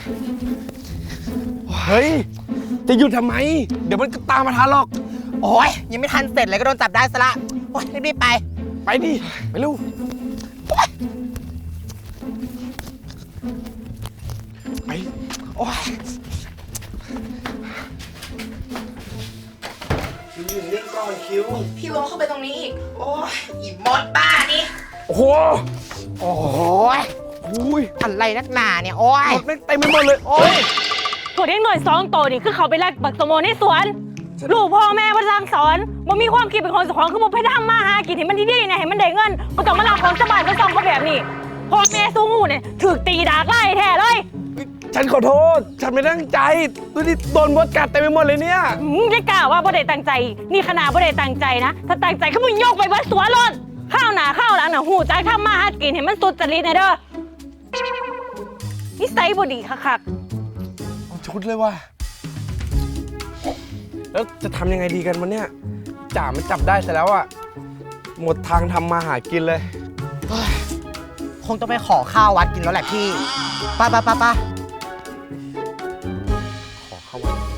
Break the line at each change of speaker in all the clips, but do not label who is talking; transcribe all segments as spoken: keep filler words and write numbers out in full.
เฮ้ยจะหยุดทำไมเดี๋ยวมันก็ตามมาทันหรอก
โอ้ยยังไม่ทันเสร็จเลยก็โดนจับได้ซะละโอ้ยรีบๆไป
ไปดิไปเร็วไปโอ้ยคิวอยู่นิ่งก่อนคิว
พี่วงเข้าไปตรงนี้อีกโอ้ยอีมดบ้านี่
โอ้โห
โอ้ย
อุ้ย
อะไรนักหนาเนี่ยโอ้ย
หมดไม่เต็มไปหมดเลยโอ้ย
กดเด็กหน่อยสองโตนี่คือเขาไปแลกบักสมโมในสวนลูกพ่อแม่มาสั่งสอนมันมีความคิดเป็นคนสอนคือมันไปทำมาหากินเห็นมันดีๆเนี่ยเห็นมันได้เงินมันต้องมาลาของสบายก็ซ่อมเขาแบบนี้พ่อแม่สู้งูเนี่ยถือตีดากไล่แท้เลย
ฉันขอโทษฉันไม่ตั้งใจดูดิโดนมดกัดเต็มไปหมดเลยเนี่ย
ไม่กล้าว่าบ่ได้ตั้งใจนี่ขนาดบ่ได้ตั้งใจนะถ้าตั้งใจเขามึงโยกไปเบิดสวนรถข้าวหนาข้าวหลังน่ะหูใจทำมาหากินเห็นมันสุดจริตเนี่ยเด้อนิสัยบ่ดีคัก
ๆชุดเลยว่ะแล้วจะทำยังไงดีกันวันเนี้ยจ่ามันจับได้ซะแล้วอ่ะหมดทางทำมาหากินเลย
คงต้องไปขอข้าววัดกินแล้วแหละพี่ป้าป้าป้าป้า
ขอข้าววัด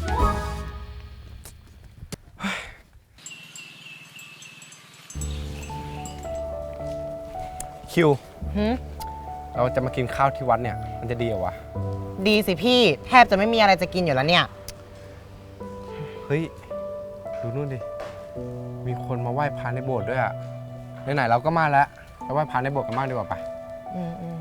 คิวเราจะมากินข้าวที่วัดเนี่ยมันจะดีเหรอวะ
ดีสิพี่แทบจะไม่มีอะไรจะกินอยู่แล้วเนี่ย
เฮ้ยดูนู่นดิมีคนมาไหว้พระในโบสถ์ด้วยอ่ะไหนๆเราก็มาแล้วไปไหว้พระในโบสถ์กันบ้างดีกว่าปะอืมอืม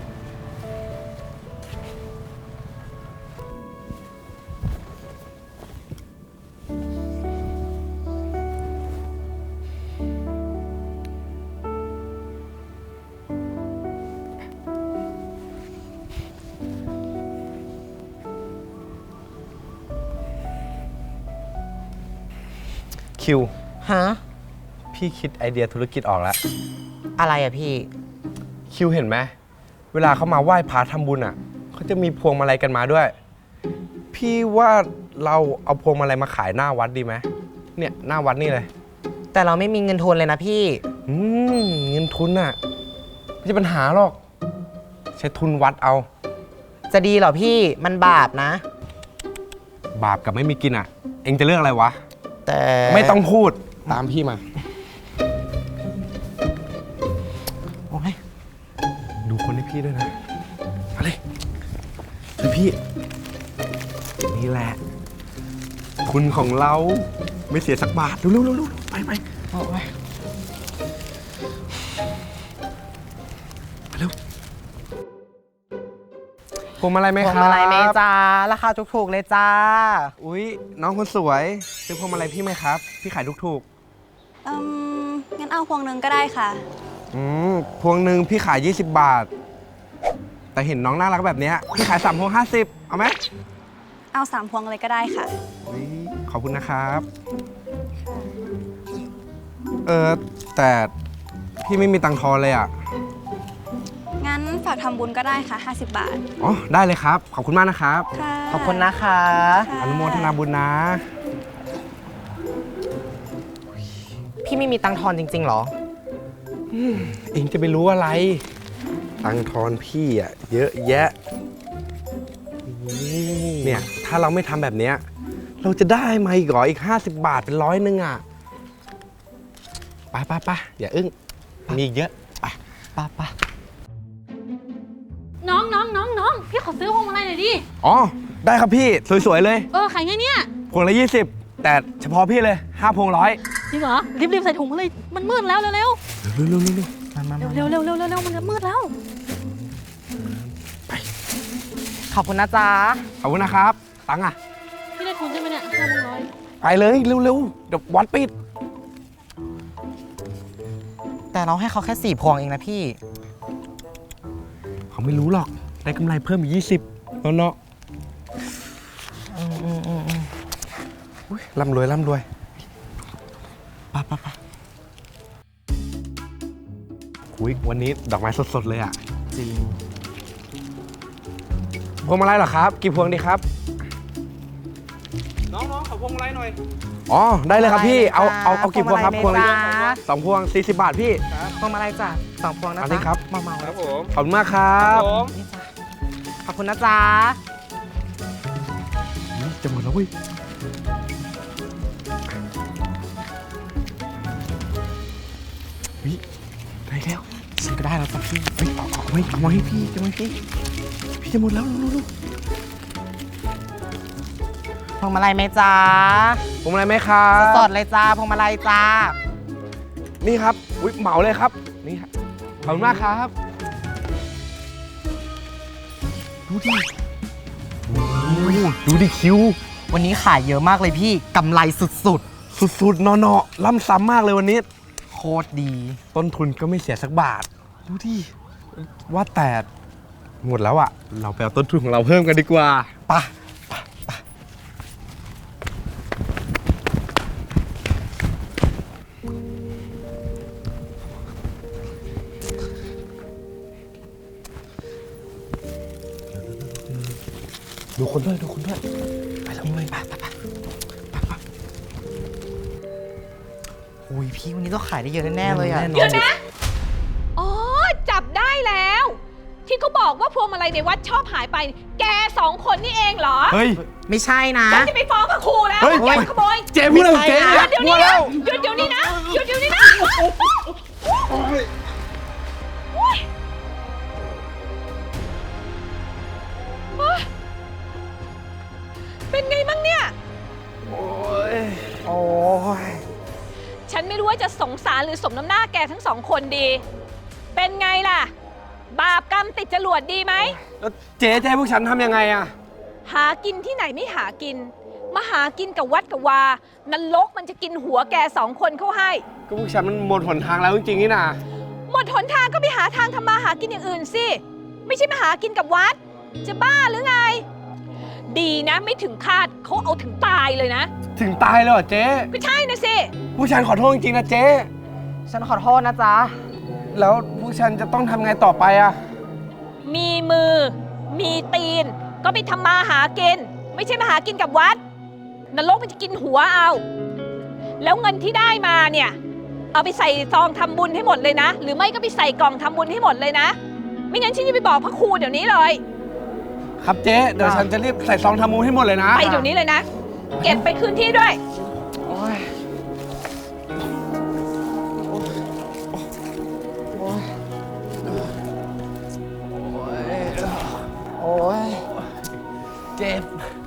คิว
ฮะ
พี่คิดไอเดียธุรกิจออกแล้ว
อะไรอะพี่
คิวเห็นไหมเวลาเขามาไหว้พระทำบุญอ่ะเขาจะมีพวงมาลัยกันมาด้วยพี่ว่าเราเอาพวงมาลัยมาขายหน้าวัดดีไหมเนี่ยหน้าวัดนี่เลย
แต่เราไม่มีเงินทุนเลยนะพี่
อืมเงินทุนอ่ะไม่ใช่ปัญหาหรอกใช้ทุนวัดเอา
จะดีเหรอพี่มันบาปนะ
บาปกับไม่มีกินอ่ะเอ็งจะเลือกอะไรวะ
แต่
ไม่ต้องพูดตามพี่มา
โอ้ย
ดูคนให้พี่ด้วยนะมาเลยพี่นี่แหละคุณของเราไม่เสียสักบาทเร็วๆๆไปไปโอ้ยเร็วพวงมาลัยไหมครับ
พวงมาลัยไหมจ้าราคาถูกๆเลยจ้า
อุ๊ยน้องคนสวยซื้อพวงมาลัยพี่ไหมครับพี่ขายถูก
ๆอืมงั้นเอาพวงหนึ่งก็ได้ค่ะ
อืมพวงหนึ่งพี่ขายยี่สิบบาทแต่เห็นน้องน่ารักแบบนี้พี่ขายสามพวงห้าสิบเอาไหม
เอาสามพวงเลยก็ได้ค่ะ
ขอบคุณนะครับเออแต่พี่ไม่มีตังค์ทอนเลยอ่ะ
งั้นฝากทำบุญก็ได้ค่ะห้าสิบบาท
อ๋อได้เลยครับขอบคุณมากนะครับ
ขอบคุณนะคะ
อนุโมทนาบุญนะ
พี่ไม่มีตังค์ทอนจริงๆหรอ
เองจะไปรู้อะไรตังค์ทอนพี่อ่ะเยอะแยะเนี่ยถ้าเราไม่ทำแบบเนี้ยเราจะได้มาอีกหรออีกห้าสิบบาทเป็นร้อยนึงอ่ะไปไปไปอย่าอึ้งมีอีกเยอะไป
ไปไป
น้องน้องน้องน้องพี่ขอซื้อพวงมาลัยหน่อยดิ
อ๋อได้ครับพี่สวยๆเลย
เออขายไงเนี่ย
พวงละยี่สิบแต่เฉพาะพี่เลยห้าพวงร้อย
จริงเหรอรีบๆใส่ถุงมาเลยมันมืดแล้วเร็วๆเร็ว
เร็วๆเร็ว
ๆเร็วๆเร็วๆเร็วๆเร็วๆมันจะมืดแล้ว
ไป
ขอบคุณนะจ๊ะ
ขอบคุณนะครับตังค์อ่ะ
พี่ได้ทุนใช่ไหมเนี่ยห้าพวงร้อย
ไปเลยเร็วๆเดี๋ยววัดปิด
แต่เราให้เขาแค่สี่พวงเองนะพี่
เขาไม่รู้หรอกได้กำไรเพิ่มอีกยี่สิบแล้วเนาะร่ำรวยร่ำรวยป่ะป่ะป่ะอุ๊ยวันนี้ดอกไม้สดๆเลยอ่ะ
จริง
พวงมาลัยเหรอครับกี่พวงดีครับน้องๆขอพวงมาลัยหน่อยอ๋อได้เลยครับพี่เอาเอาเอากี่พวงครับพวงละสองพวงสี่สิบบาทพี่
พวงมาลัยจ้ะสองพวงนะจ๊ะ
ครับ
เมาๆ
ครับผมขอบคุณมากครับ
อบคุณนะจ๊ะ
นี่จะหมดแล้วเว้ยเฮ้ยได้แล้ว
ฉันก็ได้แล้วจ้ะพี่
เฮ้ยเอาเอาไว้เอามาให้พี่จะมาให้พี่ พี่จะหมดแล้วลูก
พวงมาลัยไหมจ๊ะ
ๆผมอะไรไหมครับ
สดๆเลยจ้าพวงมาลัยจ้า
นี่ครับอุ้ยเหมาเลยครับ นี่ครับขอบคุณมากครับ ดูดิโอ้โหดูดิคิว
วันนี้ขายเยอะมากเลยพี่กำไรสุด
สุดๆเนาะๆล่ำซ้ำมากเลยวันนี้
ๆ โคตรดี
ต้นทุนก็ไม่เสียสักบาท ดูดิ ว่าแต่หมดแล้วอะเราไปเอาต้นทุนของเราเพิ่มกันดีกว่าไปะดูคนด้วยดูคนด้วย ไปแล้วเลยไปไปไปไปไป
โอ้ยพี่วันนี้ต้องขายได้เยอะแน่ๆเลยอะ
แน่นอน
เดี๋ยวนะ อ๋อ จับได้แล้ว ที่เขาบอกว่าพวงมาลัยในวัดชอบหายไป แกสองคนนี่เองเหรอ
เฮ้ย
ไม่ใช่นะ
ฉันจะไปฟ้องพระครูแล้ว
เฮ้ย
แกขโมย
เจ๊พูดอะไรของเจ๊
ไม่ใช่
หยุดเดี๋ยวนี้นะหยุดเดี๋ยวนี้นะหยุดเดี๋ยวนี้นะโอ๊ยเป็นไงบ้างเนี่ย
โอ้ย
โอ้ย
ฉันไม่รู้ว่าจะสงสารหรือสมน้ำหน้าแกทั้งสองคนดี เป็นไงล่ะ บาปกรรมติดจรวดดีไหม
แล้วเจ๊จะให้พวกฉันทำยังไงอะ
หากินที่ไหนไม่หากิน มาหากินกับวัดกับวานรกมันจะกินหัวแกสองคนเข้าให้
ก็พวกฉันมันหมดหนทางแล้วจริงๆนี่นะ
หมดหนทางก็ไปหาทางทำมาหากินอย่างอื่นสิ ไม่ใช่มาหากินกับวัด จะบ้าหรือไง ดีนะไม่ถึงคาดเขาเอาถึงตายเลยนะ
ถึงตายแล้วเหรอเจ๊
ก็ใช่นะสิ
พวกฉันขอโทษจริงๆนะเจ๊
ฉันขอโทษนะจ๊ะ
แล้วพวกฉันจะต้องทำไงต่อไปอะ
มีมือ มีตีน ก็ไปทำมาหากิน ไม่ใช่มาหากินกับวัดนรกมันจะกินหัวเอา แล้วเงินที่ได้มาเนี่ย เอาไปใส่ซองทำบุญให้หมดเลยนะ หรือไม่ก็ไปใส่กล่องทำบุญให้หมดเลยนะ ไม่งั้นฉันจะไปบอกพระครูเดี๋ยวนี้เลย
ครับเจ๊เดี๋ยวฉันจะรีบใส่ซองทำมูลให้หมดเลยนะ
ไปเดี๋ยวนี้เลยนะ เก็บไปคืนที่ด้วย
โอ้ยโอ้ย
โอ้ย
เจ็บ